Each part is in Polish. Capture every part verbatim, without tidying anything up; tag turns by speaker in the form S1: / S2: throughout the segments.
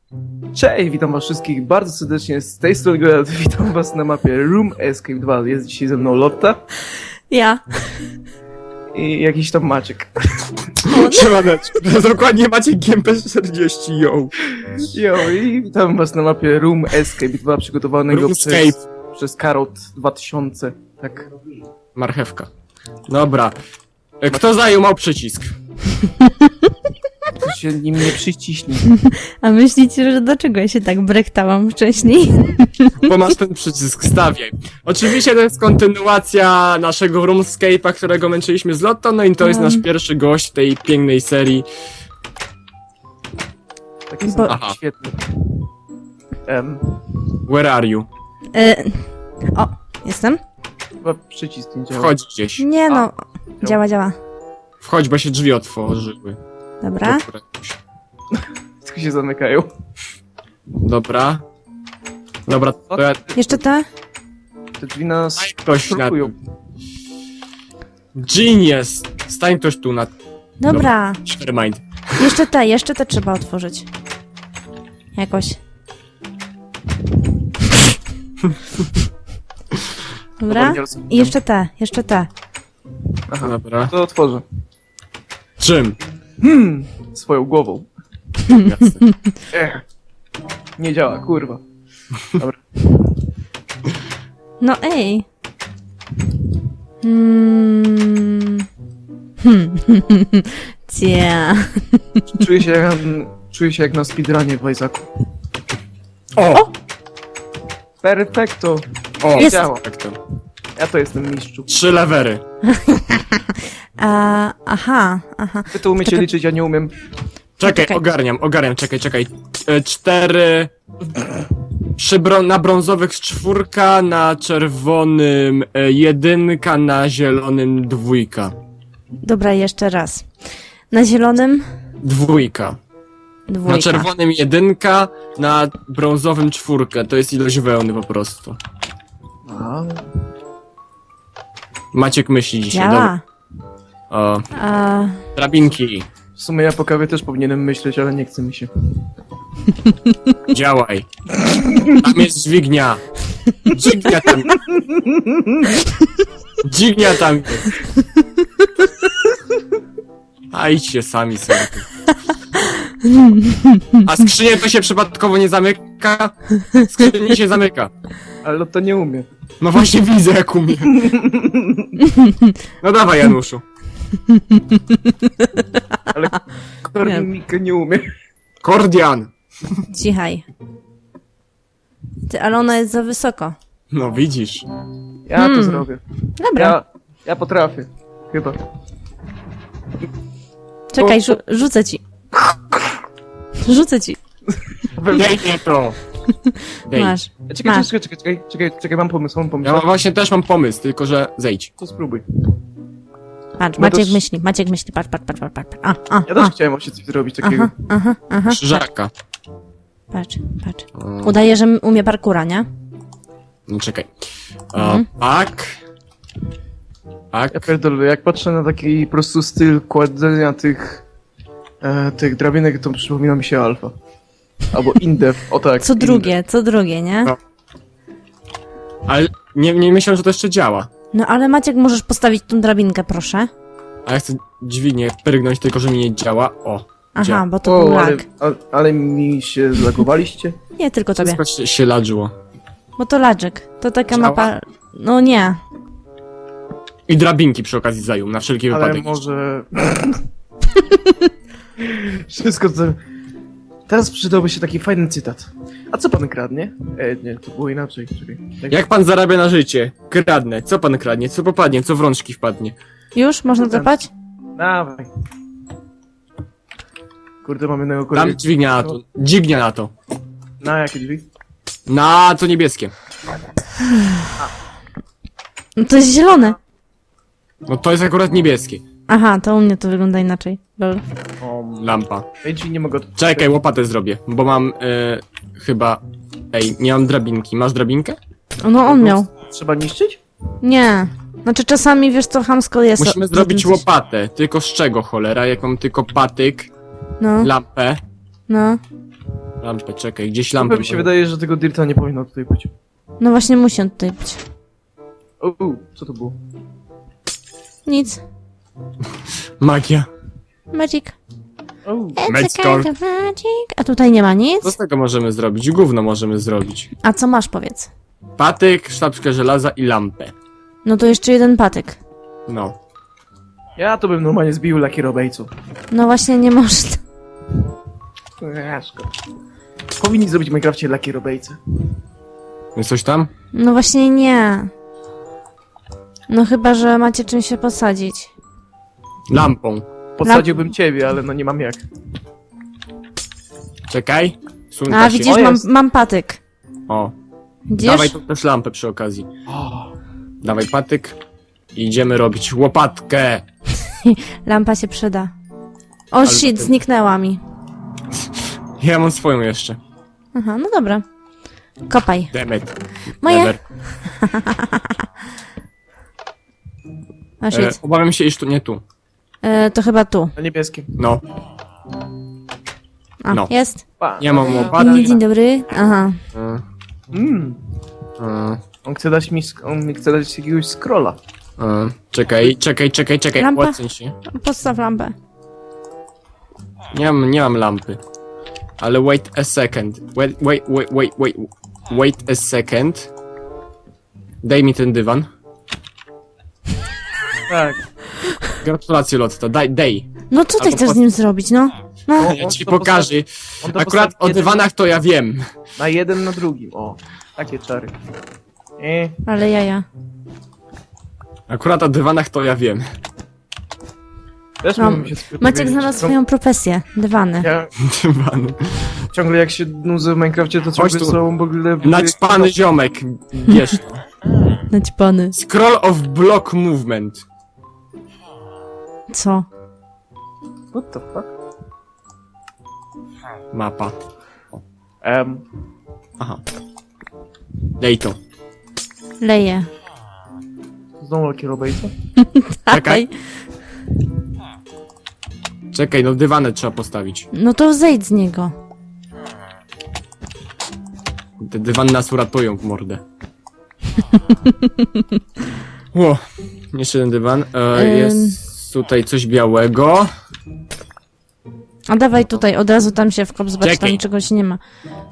S1: Cześć, witam was wszystkich bardzo serdecznie z tej strony Geralt. Witam was na mapie Room Escape dwa. Jest dzisiaj ze mną Lotta
S2: Ja.
S1: i jakiś tam Maciek.
S3: Siemaneczko, to jest dokładnie Maciek G M P czterdzieści, yo.
S1: Jo, i witam was na mapie Room Escape dwa przygotowanego przez,
S3: Roomscape.
S1: przez Karot dwa tysiące. Tak.
S3: Marchewka. Dobra. E, Kto zajął przycisk?
S1: To się nim nie przyciśnie.
S2: A myślicie, że dlaczego ja się tak brektałam wcześniej?
S3: Bo masz ten przycisk, stawiaj. Oczywiście to jest kontynuacja naszego Roomscape'a, którego męczyliśmy z Lotto, no i to jest
S2: Um.
S3: nasz pierwszy gość tej pięknej serii.
S1: Taki
S2: Bo-
S1: sam
S3: Aha.
S1: świetny. Um,
S3: Where are you?
S2: E, o, jestem?
S1: chyba przycisk nie działa.
S3: Wchodź gdzieś.
S2: Nie no. Działa, działa.
S3: Wchodź, bo się drzwi otworzyły.
S2: Dobra.
S3: Dobra.
S1: Tylko się zamykają.
S3: Dobra. Dobra, to ja...
S2: Jeszcze te?
S1: Te drzwi nas
S3: Stań ktoś na
S1: blokują.
S3: tym. Genius! Stań ktoś tu na...
S2: Dobra.
S3: Nevermind.
S2: Jeszcze te, jeszcze te trzeba otworzyć. Jakoś. Dobra.
S1: nie rozumiem.
S2: I jeszcze te, jeszcze te.
S1: Aha,
S3: Dobra.
S1: to otworzę.
S3: Czym?
S1: Hmm, swoją głową.
S3: Jasne.
S1: Ech. Nie działa, kurwa. Dobra.
S2: No ej. Hmm. Hmm. Cia.
S1: Czuję się jak, czuję się jak na speedrunie w Isaacu.
S3: O!
S1: Perfekto.
S3: O!
S2: Jest.
S1: Działa.
S3: Tak to.
S1: Ja to jestem mistrzu.
S3: Trzy lewery.
S2: A, aha, aha.
S1: Wy to umiecie
S2: Czekaj.
S1: liczyć, ja nie umiem.
S3: Czekaj,
S2: Czekaj.
S3: ogarniam, ogarniam, czekaj, czekaj. E, Cztery... Przy bro na brązowych czwórka, na czerwonym e, jedynka, na zielonym dwójka.
S2: Dobra, jeszcze raz. Na zielonym
S3: Dwójka.
S2: dwójka.
S3: Na czerwonym jedynka, na brązowym czwórkę. To jest ilość wełny po prostu.
S1: A,
S3: Maciek myśli dzisiaj,
S2: Działa.
S3: O,
S2: A,
S3: drabinki,
S1: w sumie ja po kawie też powinienem myśleć, ale nie chce mi się.
S3: działaj. Tam jest dźwignia. Dźwignia tam. Dźwignia tam jest. A idźcie sami sobie. A skrzynię to się przypadkowo nie zamyka? Skrzynię się zamyka.
S1: Ale to nie umie.
S3: No właśnie widzę jak umie. No dawaj Januszu.
S1: Ale kornik nie umie.
S3: Kordian.
S2: cichaj. Ty, ale ona jest za wysoko.
S3: No widzisz.
S1: Ja
S2: Hmm.
S1: to zrobię.
S2: Dobra,
S1: Ja, ja potrafię. Chyba.
S2: czekaj, rzu rzucę ci. Rzucę ci.
S3: Dej nie to. Dej.
S2: Masz.
S1: Czekaj,
S2: Masz.
S1: czekaj, czekaj, czekaj, czekaj, czekaj, mam pomysł, mam pomysł.
S3: Ja mam, właśnie też mam pomysł, tylko że zejdź.
S1: To spróbuj.
S2: Patrz,
S1: No to
S2: Maciek
S1: s-
S2: myśli, Maciek myśli, patrz, patrz, patrz, patrz, patrz. A, a,
S1: Ja też
S2: a.
S1: chciałem właśnie coś zrobić takiego.
S2: Aha, aha, aha.
S3: Krzyżaka.
S2: Patrz, patrz.
S3: O,
S2: Udaje, że umie parkura, nie?
S3: no czekaj. O,
S2: Mhm.
S3: tak. Tak.
S1: Ja pierdolę, jak patrzę na taki po prostu styl kładzenia tych e, tych drabinek, to przypomina mi się Alfa. Albo Indev, o tak.
S2: Co
S1: Indev.
S2: drugie, co drugie, nie?
S3: No. Ale nie, nie myślałem, że to jeszcze działa.
S2: No ale Maciek, możesz postawić tą drabinkę, proszę?
S3: A ja chcę dźwignię prygnąć, tylko że mi nie działa. O.
S2: Aha,
S3: Działa.
S2: bo to był
S1: O, ale,
S2: lag.
S1: ale, ale mi się zlagowaliście?
S2: Nie tylko tobie,
S3: Wszystko się, się ladżyło.
S2: bo to ladżyk. To taka
S3: Działa?
S2: mapa... No nie.
S3: I drabinki przy okazji zajął, na wszelki
S1: Ale
S3: wypadek.
S1: może... Wszystko to... Teraz przydałby się taki fajny cytat. A co pan kradnie? E, nie, to było inaczej. Czekaj. Tak.
S3: Jak pan zarabia na życie? Kradnę. Co pan kradnie? Co popadnie? Co w rączki wpadnie?
S2: Już? Można zapać?
S1: Dawaj. Kurde, mamy
S3: Tam
S1: naukowiec.
S3: dźwignia na to. Dźwignia na to.
S1: Na jakie drzwi?
S3: Na to niebieskie.
S2: No to jest zielone.
S3: No to jest akurat niebieskie.
S2: Aha, to u mnie to wygląda inaczej. Lol.
S1: O,
S3: Lampa.
S1: tej drzwi nie mogę...
S3: Czekaj, łopatę zrobię, bo mam e, chyba... Ej, nie mam drabinki. Masz drabinkę?
S2: No on miał.
S1: Trzeba niszczyć?
S2: Nie. Znaczy czasami, wiesz co, chamsko jest.
S3: Musimy
S2: o-
S3: zrobić
S2: o tym coś-
S3: łopatę. Tylko z czego, cholera? Jak mam tylko patyk,
S2: No,
S3: lampę,
S2: no.
S3: Lampę, czekaj, gdzieś
S1: Lampę
S3: lampę.
S1: mi się wydaje, że tego dirta nie powinno tutaj być.
S2: No właśnie musi on tutaj być.
S1: O, u, co to było?
S2: Nic.
S3: Magia.
S2: Magic.
S1: O,
S2: It's
S3: Magic.
S2: a kind of magic. A tutaj nie ma nic?
S3: Co z tego możemy zrobić? Gówno możemy zrobić.
S2: A co masz, powiedz?
S3: Patyk, sztabkę żelaza i lampę.
S2: No to jeszcze jeden patyk.
S3: No.
S1: ja to bym normalnie zbił lakierobejców.
S2: No właśnie nie można.
S1: Eee, szkoda. Powinni zrobić w Minecrafcie lakierobejce.
S3: Jest coś tam?
S2: No właśnie nie. No chyba, że macie czym się posadzić.
S3: Lampą.
S1: Podsadziłbym ciebie, ale no nie mam jak.
S3: Czekaj. Sunka
S2: A
S3: się.
S2: widzisz,
S1: O,
S2: mam,
S1: jest.
S2: mam patyk.
S3: O.
S2: Widzisz?
S3: Dawaj tu też lampę przy okazji.
S1: O,
S3: Dawaj patyk. I idziemy robić łopatkę.
S2: Lampa się przyda. O
S3: Ale
S2: shit,
S3: to-
S2: zniknęła mi.
S3: Ja mam swoją jeszcze.
S2: Aha, no dobra. Kopaj.
S3: Demet.
S2: Moje.
S3: Never.
S2: O
S3: E,
S2: shit.
S3: obawiam się, iż tu nie tu.
S2: E, to chyba tu.
S1: na niebieskim.
S3: No.
S2: A,
S3: No.
S2: jest.
S1: Pa.
S3: Nie mam
S2: Dzień,
S3: łopaty.
S2: dzień dobry. Aha.
S3: E,
S1: Mm,
S3: e,
S1: on chce dać mi, sk- on mi chce dać jakiegoś scrolla.
S3: e. Czekaj, czekaj, czekaj, czekaj.
S2: Lampa?
S3: Odsuń się.
S2: Podstaw lampę.
S3: Nie mam, nie mam lampy. Ale wait a second. Wait, wait, wait, wait, wait. Wait a second. Daj mi ten dywan.
S1: Tak.
S3: Gratulacje, Lotta. Daj, daj.
S2: No co ty
S3: Albo
S2: chcesz
S3: pod-
S2: z nim zrobić, no? No.
S1: O,
S3: Ja
S1: on
S3: ci
S1: to
S3: pokażę.
S1: On to
S3: Akurat
S1: postawi
S3: o
S1: jeden
S3: dywanach to ja wiem.
S1: Na jeden na drugim, o. Takie czary. E,
S2: Ale jaja.
S3: Akurat o dywanach to ja wiem.
S1: też
S2: No,
S1: mam się sobie
S2: Maciek
S1: powiedzieć.
S2: znalazł
S1: Ciąg-
S2: swoją profesję. Dywany.
S1: Ja
S3: Dywan.
S1: ciągle jak się nudzę w Minecrafcie, to ciągle
S3: tu.
S1: są w ogóle...
S3: Naćpany ziomek. Wiesz to.
S2: Naćpany.
S3: Scroll of block movement.
S2: Co?
S1: What the fuck?
S3: Mapa.
S1: Um,
S3: Aha. Daj to.
S2: Leje.
S1: znowu lakierobejca?
S3: Czekaj. Czekaj, no dywanę trzeba postawić.
S2: No to zejdź z niego.
S3: Te dywany nas uratują w mordę. Ło. Jeszcze jeden dywan. E,
S2: Ym.
S3: jest tutaj coś białego.
S2: A dawaj tutaj, od razu tam się wkop, zobacz,
S3: Czekaj.
S2: tam czegoś nie ma.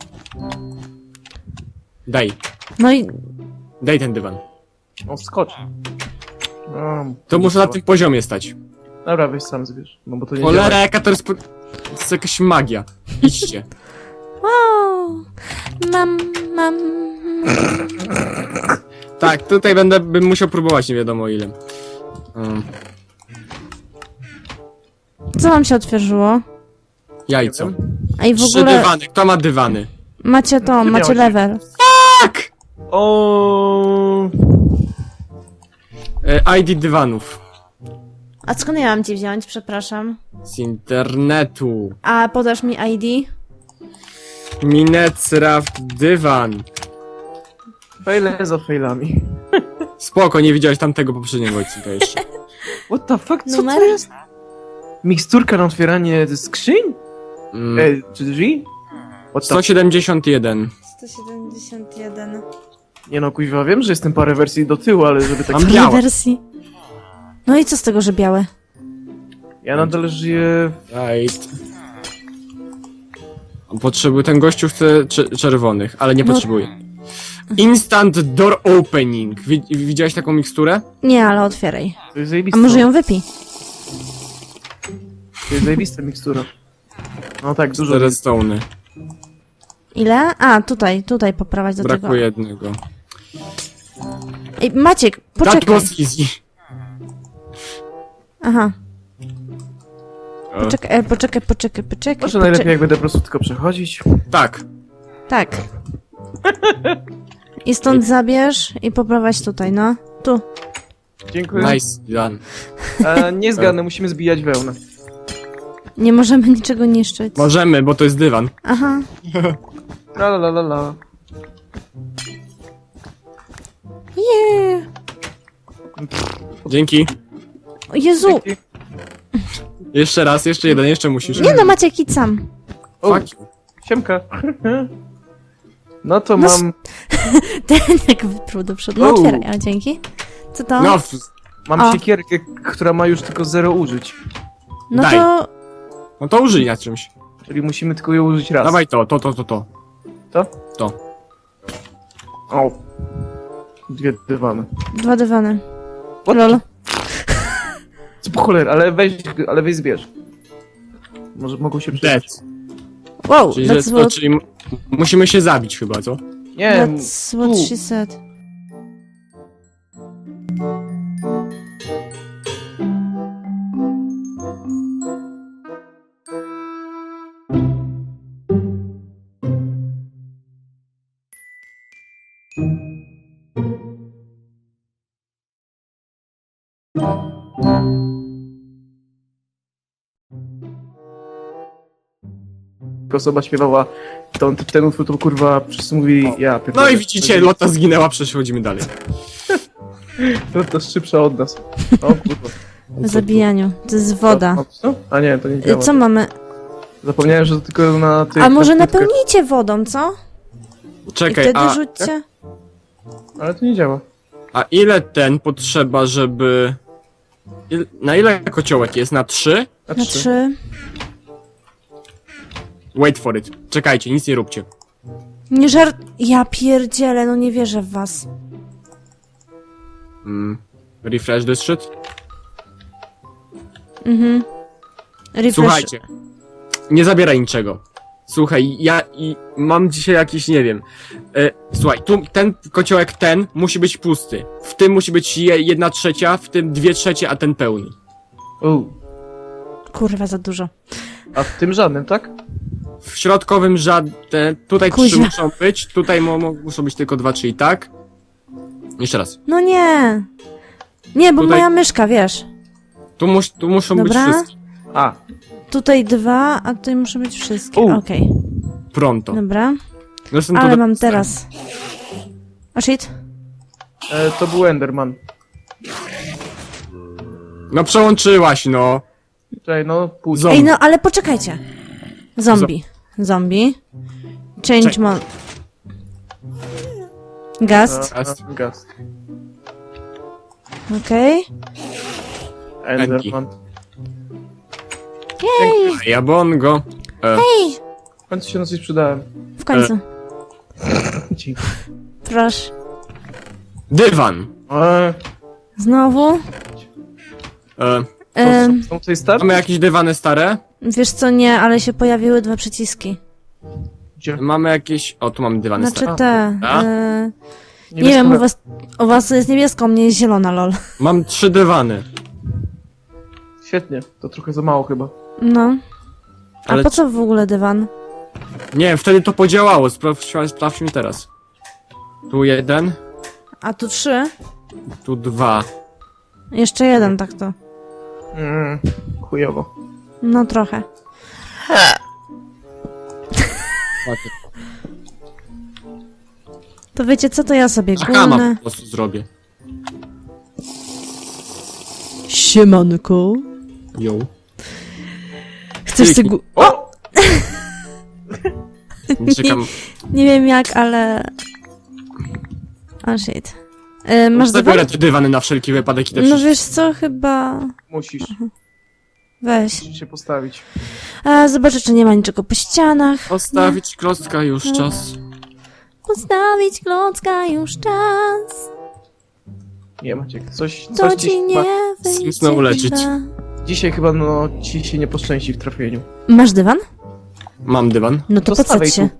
S3: Daj.
S2: No i
S3: Daj ten dywan.
S1: On skocz. No,
S3: To muszę na tym poziomie stać.
S1: Dobra, weź sam zbierz. No bo to nie
S3: Cholera,
S1: działa.
S3: jaka to jest... Po... To jest jakaś magia. Idźcie.
S2: wow, mam, mam.
S3: Tak, tutaj będę, bym musiał próbować, nie wiadomo ile. Um,
S2: Co wam się otworzyło?
S3: jajco.
S1: Nie wiem.
S2: A i w
S3: Trzy
S2: ogóle
S3: dywany. Kto ma dywany?
S2: macie to,
S1: Nie
S2: macie
S1: miałeś.
S2: level.
S3: Tak!
S1: O,
S3: E, I D dywanów.
S2: A skąd ja mam ci wziąć, przepraszam?
S3: Z internetu.
S2: A podasz mi I D?
S3: Minecraft dywan.
S1: Fejle za fejlami.
S3: Spoko, nie widziałeś tamtego poprzedniego odcinka jeszcze.
S1: What the fuck, co
S2: Numer?
S1: to jest? Miksturka na otwieranie skrzyń?
S3: Mm,
S1: E, czy drzwi? What the
S3: sto siedemdziesiąt jeden.
S2: sto siedemdziesiąt jeden.
S1: Nie no, kuźwa, wiem, że jestem parę wersji do tyłu, ale żeby tak...
S3: Mam
S2: Ile
S3: białe.
S2: wersji? No i co z tego, że białe?
S1: Ja nadal żyję...
S3: Right. Potrzebuję, ten gościu chce cze- czerwonych, ale nie
S2: No.
S3: potrzebuje. Instant door opening. Wi- widziałeś taką miksturę?
S2: Nie, ale otwieraj.
S1: To jest
S2: A
S1: zajebista.
S2: może ją wypij?
S1: To jest zajebista mikstura. No tak, dużo...
S3: Cztery stony.
S2: Ile? A, tutaj, tutaj poprawać do
S3: Brakuje
S2: tego.
S3: jednego.
S2: Ej, Maciek,
S3: That
S2: poczekaj.
S3: was easy.
S2: Aha,
S3: O,
S2: poczekaj, e, poczekaj, poczekaj, poczekaj.
S1: Może
S2: poczekaj.
S1: najlepiej jak będę po prostu tylko przechodzić.
S3: tak.
S2: Tak. I stąd zabierz i poprowadź tutaj, no. Tu.
S1: Dziękuję.
S3: Nice done.
S1: E, nie zgadnę, musimy zbijać wełnę.
S2: Nie możemy niczego niszczyć.
S3: Możemy, bo to jest dywan.
S2: Aha.
S1: La la la la la.
S2: Yeah.
S3: Dzięki.
S2: O Jezu.
S3: Jeszcze raz, jeszcze jeden, jeszcze musisz.
S2: Nie no, Maciek, idź sam.
S1: O,
S3: Fuck you.
S1: Siemka. No to
S2: No
S1: mam,
S2: Ten jak wyprół do przodu. No
S1: Uuu.
S2: otwieraj, a dzięki. Co to?
S3: No, w-
S1: mam
S2: O.
S1: siekierkę, która ma już tylko zero użyć.
S2: No
S3: daj.
S2: to...
S3: no to użyj na czymś.
S1: Czyli musimy tylko ją użyć raz.
S3: Dawaj to, to, to, to, to.
S1: To?
S3: To.
S1: O. Dwie dywany.
S2: Dwa dywany.
S1: What?
S2: Lol.
S1: Co po cholerę, ale weź, ale weź zbierz. Może mogą się
S3: Dead.
S1: przydać.
S2: Wow,
S3: Czyli, że,
S2: that's
S3: to,
S2: what,
S3: czyli m- musimy się zabić chyba, co?
S1: Nie,
S2: that's what
S1: tu.
S2: she said.
S1: osoba śpiewała ten, ten utwór, to kurwa wszyscy mówili, ja
S3: No
S1: pierdolę.
S3: i widzicie, Lota zginęła, przechodzimy dalej.
S1: To, to szybsza od nas. O kurwa.
S2: W zabijaniu. To jest woda.
S1: O, co? A nie, to nie
S2: Y,
S1: działa.
S2: Co mamy?
S1: Zapomniałem, że to tylko na tych...
S2: A może
S1: na płytkach.
S2: napełnijcie wodą, co? I
S3: Czekaj,
S2: wtedy
S3: a,
S2: rzućcie.
S1: Ale to nie działa.
S3: a ile ten potrzeba, żeby... Il, na ile kociołek jest? Na trzy?
S1: Na
S2: Na
S1: trzy.
S2: trzy.
S3: Wait for it. Czekajcie, nic nie róbcie.
S2: Nie żart... Ja pierdzielę, no nie wierzę w was.
S3: Mm. Refresh this shit?
S2: Mhm. Refresh.
S3: Słuchajcie. Nie zabieraj niczego. Słuchaj, ja i mam dzisiaj jakiś, nie wiem. E, słuchaj, tu ten kociołek ten musi być pusty. W tym musi być je, jedna trzecia, w tym dwie trzecie, a ten pełny.
S1: U.
S2: Kurwa, za dużo.
S1: A w tym żadnym, tak?
S3: W środkowym żadne. Tutaj trzy
S2: Kuźwa.
S3: muszą być, tutaj mo, mo, muszą być tylko dwa, czyli tak. Jeszcze raz.
S2: No nie. Nie, bo
S3: Tutaj-
S2: moja myszka, wiesz.
S3: Tu, mus, tu muszą
S2: Dobra.
S3: być wszystkie.
S1: A,
S2: Tutaj dwa, a tutaj muszą być wszystkie.
S1: U.
S2: Okej,
S3: Pronto.
S2: dobra.
S3: Zresztą
S2: Ale
S3: to-
S2: mam teraz. O shit.
S1: e, to był Enderman.
S3: No przełączyłaś, no.
S1: Czekaj, no pół.
S3: Zo-
S2: Ej, no ale poczekajcie. Zombie. Zombie. Change
S3: Czek-
S2: mon... Gast.
S1: A, a, Gaz.
S2: Okej.
S1: Enderman.
S2: Jej,
S3: Ja bongo. E,
S1: W końcu się na coś przydałem.
S2: w końcu.
S1: Dzięki.
S2: Proszę.
S3: dywan.
S1: E,
S2: Znowu.
S3: E,
S2: Em,
S1: są tutaj start?
S3: mamy jakieś dywany stare?
S2: wiesz co, nie, ale się pojawiły dwa przyciski.
S1: Gdzie?
S3: Mamy jakieś... O, tu mamy dywany
S2: Znaczy
S3: stare.
S2: te.
S3: A?
S2: E, nie
S1: Niebieska
S2: wiem, u
S1: na-
S2: was, u was jest niebieska, u mnie jest zielona, lol.
S3: Mam trzy dywany.
S1: Świetnie, to trochę za mało chyba.
S2: No. A
S3: Ale
S2: po co w ogóle dywan?
S3: Nie wiem, wtedy to podziałało. Sprawdźmy, sprawdźmy teraz. Tu jeden,
S2: A tu trzy?
S3: tu dwa.
S2: Jeszcze jeden, tak to.
S1: Mm, chujowo.
S2: No trochę. To wiecie co, to ja sobie
S3: Akama
S2: gulnę.
S3: po prostu zrobię.
S2: Siemanko.
S3: Yo.
S2: Chcesz sobie gu...
S1: O!
S3: Czekam.
S2: Nie wiem jak, ale... Oh shit. E, masz dywan?
S3: Zabiorę te dywany na wszelki wypadek i te
S2: No
S3: wszystkie.
S2: wiesz co, chyba...
S1: Musisz,
S2: Weź.
S1: musisz się postawić.
S2: A, zobaczę, czy nie ma niczego po ścianach.
S3: Postawić klocka już czas.
S2: Postawić klocka już czas.
S1: Nie Maciek, coś,
S2: To
S1: coś
S2: ci
S1: dziś,
S2: nie
S1: ma,
S2: wyjdzie
S3: znowu lecieć.
S2: chyba.
S1: dzisiaj chyba no ci się nie poszczęści w trafieniu.
S2: Masz dywan?
S3: Mam dywan.
S2: No to
S1: To stawaj
S2: podsadź się.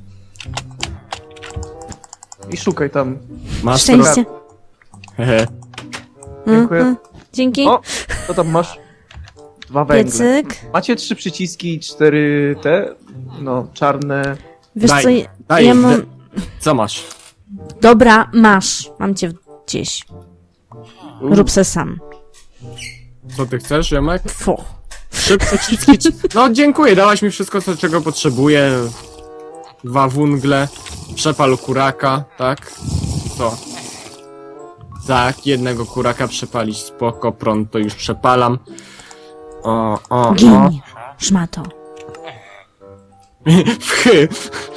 S1: I szukaj tam.
S3: Masz
S2: Szczęście.
S3: Hehe.
S1: Dziękuję.
S2: Mhm. Dzięki.
S1: O! Co tam masz? Dwa węgle.
S2: Piecyk.
S1: Macie trzy przyciski i cztery te, no, czarne.
S2: Wiesz
S3: Daj,
S2: co, ja-
S3: daj,
S2: ja mam...
S3: de- Co masz?
S2: Dobra, masz. Mam cię gdzieś.
S1: U,
S2: Rób se sam.
S3: Co ty chcesz, Jomek?
S2: Fu.
S3: Trzy przyciski. czy- No dziękuję, dałaś mi wszystko, co, czego potrzebuję. Dwa wungle, przepal kuraka, tak? Co? Tak, jednego kuraka przepalić, spoko, pronto już przepalam. O, o, o.
S2: Gin. Szmato.
S3: Wchy.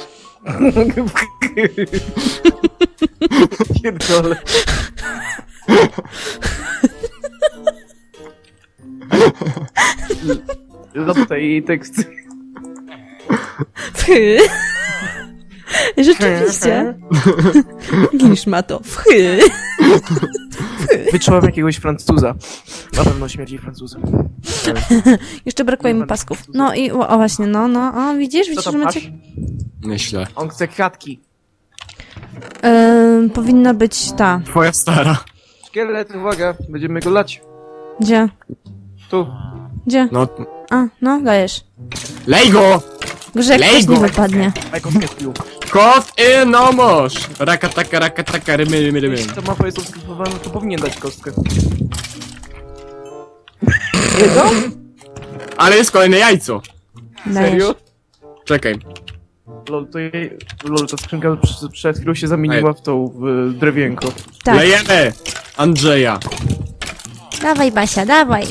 S1: Pierdolę. Zapytaj jej teksty.
S2: Wchy. Rzeczywiście. Glisz ma to. Wchy.
S1: Wyczułam jakiegoś Francuza. Na pewno śmierdzi Francuzem.
S2: Jeszcze brakuje mi pasków. No i o, o właśnie, no, no, o, widzisz,
S1: Co
S2: widzisz,
S1: tam
S2: że
S1: masz?
S2: macie...
S3: Myślę.
S1: On chce kwiatki.
S2: Ym, powinna być ta.
S3: Twoja stara.
S1: Szkielet, uwaga, będziemy go lać.
S2: Gdzie?
S1: Tu.
S2: Gdzie?
S3: No,
S2: A, no, dajesz.
S3: lej go!
S2: Gorzej jak
S3: Lej
S2: ktoś
S3: go!
S2: nie wypadnie.
S1: Daj kostkę z piłką.
S3: Kot i nomosz! Raka taka, raka taka, rymy, rymy, rymy.
S1: Jeśli ta mapa jest odskrypowana, to powinien dać kostkę. Jedno?
S3: Ale jest kolejne jajco.
S2: Dajesz.
S1: Serio?
S3: Czekaj.
S1: Lol, to jej... Lol, ta skrzynka przed, przed chwilą się zamieniła w tą, w drewienko.
S2: Tak.
S3: Lejemy! Andrzeja.
S2: Dawaj, Basia, dawaj.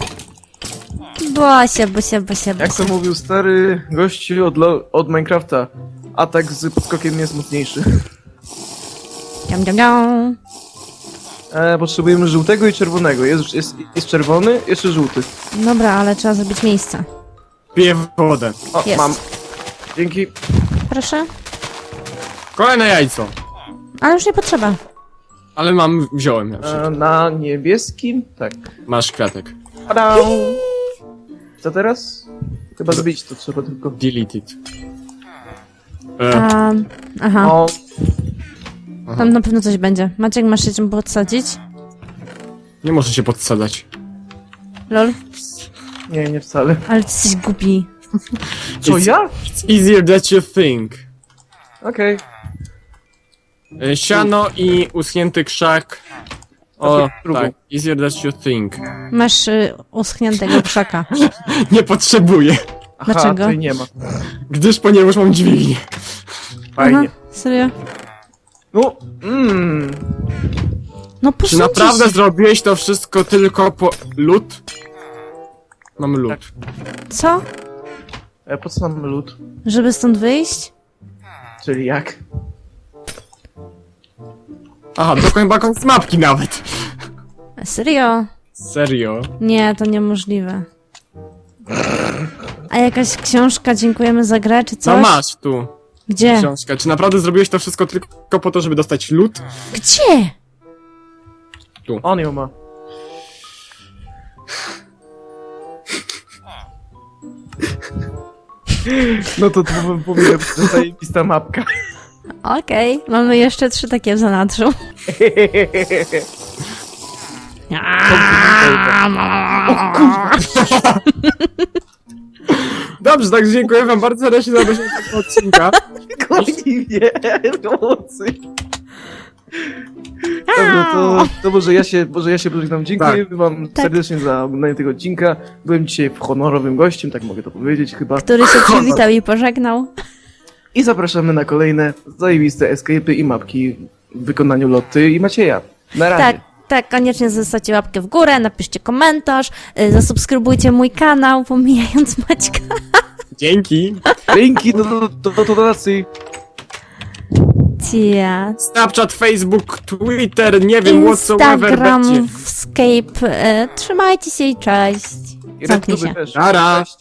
S2: Bosia, Bosia, Bosia,
S1: Jak
S2: Bosia.
S1: to mówił stary gościu od, lo- od Minecrafta, atak z podskokiem jest mocniejszy.
S2: Dziam, dziam, dziam.
S1: E, potrzebujemy żółtego i czerwonego. Jest, jest, jest czerwony, jeszcze żółty.
S2: Dobra, ale trzeba zrobić miejsce.
S3: Piję wodę.
S1: O,
S2: Jest.
S1: mam. Dzięki.
S2: Proszę.
S3: Kolejne jajco.
S2: Ale już nie potrzeba.
S3: Ale mam, wziąłem ja.
S1: E, na niebieskim? Tak.
S3: Masz kwiatek.
S1: Pada! Co teraz? Chyba zbić to trzeba tylko.
S3: Delete it. E,
S2: A, aha,
S1: O,
S2: tam na pewno coś będzie. Maciek, masz się czym podsadzić?
S3: nie możesz się podsadzać.
S2: Lol?
S1: nie, nie wcale.
S2: Ale ty jesteś głupi.
S1: Co,
S3: It's-
S1: ja?
S3: It's easier than you think.
S1: Okej.
S3: E, Siano i uschnięty krzak. O,
S1: Okej, drugą.
S3: tak. Easier than you think.
S2: Masz y, uschniętego krzaka.
S3: Nie potrzebuję,
S1: Aha,
S2: Dlaczego?
S1: tutaj nie ma.
S3: gdyż ponieważ mam dźwignię.
S1: Fajnie.
S2: Aha, serio?
S1: No, mmm.
S2: No
S3: Czy
S2: posłuchaj
S3: naprawdę
S2: się.
S3: zrobiłeś to wszystko tylko po lód? Mam lód.
S2: Co?
S1: E, po co mamy lód?
S2: Żeby stąd wyjść?
S1: Czyli jak?
S3: Aha, to chyba koniec mapki nawet.
S2: Serio?
S3: Serio?
S2: Nie, to niemożliwe. A jakaś książka, dziękujemy za grę, czy
S3: No
S2: coś?
S3: masz tu
S2: Gdzie?
S3: książkę. Czy naprawdę zrobiłeś to wszystko tylko po to, żeby dostać lód?
S2: Gdzie?
S1: On ją ma. No to to bym powiedział, że to zajebista mapka.
S2: Okej, mamy jeszcze trzy takie w zanadrzu.
S1: O kurwa!
S3: Dobrze, tak dziękuję wam bardzo serdecznie za obejrzenie tego odcinka.
S1: Goni mnie! Pomocy! Dobra, to, to może ja się, może ja się pożegnam. Dziękuję wam
S2: Tak.
S1: serdecznie za oglądanie tego odcinka. Byłem dzisiaj honorowym gościem, tak mogę to powiedzieć chyba.
S2: Który się przywitał i pożegnał.
S1: I zapraszamy na kolejne zajebiste escape'y i mapki w wykonaniu Lotty i Macieja. Na razie.
S2: Tak, tak, koniecznie zostawcie łapkę w górę, napiszcie komentarz, y, zasubskrybujcie mój kanał, pomijając Maćka.
S3: Dzięki.
S1: Linki do, do, do, do donacji.
S2: Cia.
S3: Snapchat, Facebook, Twitter, nie wiem, whatsoever
S2: Instagram,
S3: będzie.
S2: Skype. y, Trzymajcie się i cześć.
S1: I
S2: Zamknij
S1: Redtuby
S2: się.
S1: też.
S3: Nara.
S1: Cześć.